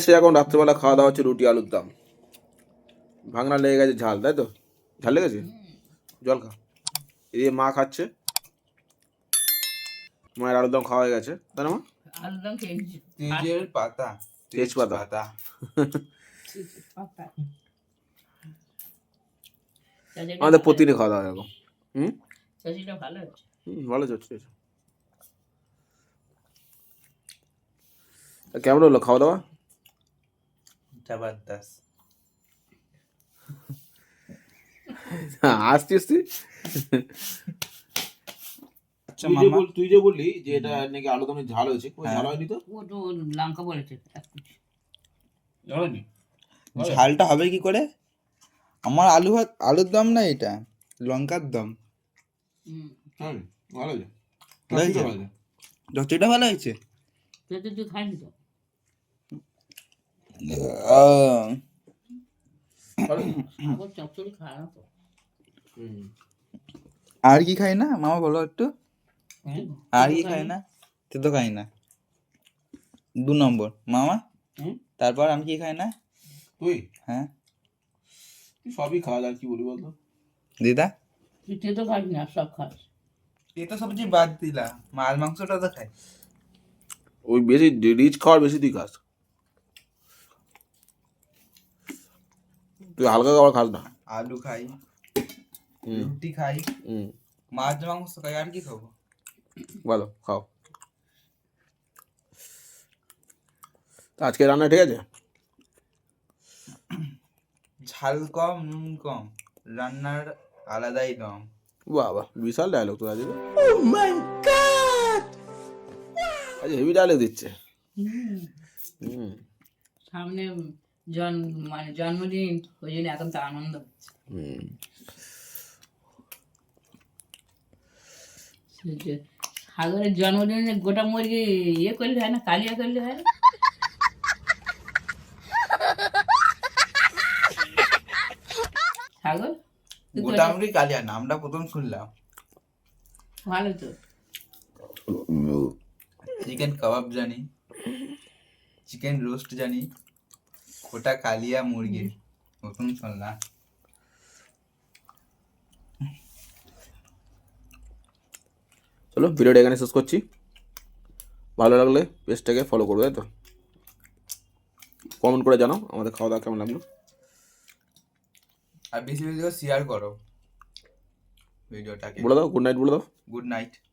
সে এখন রাত্রেবেলা খাওয়া দাওয়া হচ্ছে রুটি আলুর দম। ভাঙনা লেগে গেছে ঝাল, তাই তো? ঝাল লেগেছে? জল খা। এদিকে মা খাচ্ছে, মায়ের আলুর দম খাওয়া হয়ে গেছে, তাই না মা? আলুর দম খেয়েছি। তেজের পাতা, তেজপাতা। আমাদের প্রতিদিনই খাওয়া দাওয়া এরকম। চাচিটা ভালো আছে। ভালো চলছে। কেমন হলো খাওয়া দাওয়া? জবরদস্ত। আসছিস তুই? আচ্ছা মামা, তুই যে বললি যে এটা নাকি আলুদমে ঝাল হয়েছে, ঝাল হয়নি তো? ও তো লঙ্কা বলেছে। ঝালটা হবে কি করে? আমার আলুর দম না, এটা লঙ্কার দম। হ্যাঁ ভালো হয়েছে। যতটা ভালো হয়েছে। তুই খাইনি তো? চচ্চড়ি খায় না তো। আর কি খাই না মামা, বলো একটু। আর কি খাই না? তুই তো খাই না। 2 নম্বর মামা। তারপর আমি কি খাই না? তুই? হ্যাঁ, তুই সবই খাওয়া যায়, কি বলি বলতো? দিদা তুই তো খাস না, সব খাস। এটা সবজি বাদ দিলা, মাছ মাংসটা তো খাই। ওই বেশি রিচ খাওয়ার বেশি তুই খাস, তুই হালকা খাবার খাস না। আলু খাই, রুটি খাই, মাছ মাংস খাই, আর কি খাবো? ভালো খাও। আজকে রান্না ঠিক আছে? ঝাল কম, নুন কম, রান্নার আলাদাই দম। বাবা বিশাল ডায়লগ তোর আজকে। আজ হেভি ডায়লগ দিচ্ছে। সামনে জন্মদিন, ওই জন্য এখন তো আনন্দ হচ্ছে। সাগরের জন্মদিনে গোটা মুরগি ইয়ে করলে হয় না, কালিয়া করলে হয় না? সাগর গোটা মুরগি কালিয়া নামটা প্রথম শুনলাম। ভালো তো। চিকেন কাবাব জানি, চিকেন রোস্ট জানি, গোটা কালিয়া মুরগি প্রথম শুনলাম। চলো ভিডিওটা এখানে শেষ করছি। ভালো লাগলে পেজটাকে ফলো করবে, তাই তো? কমেন্ট করে জানাও আমাদের খাওয়া দাওয়া কেমন লাগলো, আর বেশি বেশি করে শেয়ার করো ভিডিওটাকে। বলে দাও গুড নাইট বলে দাও। Good night.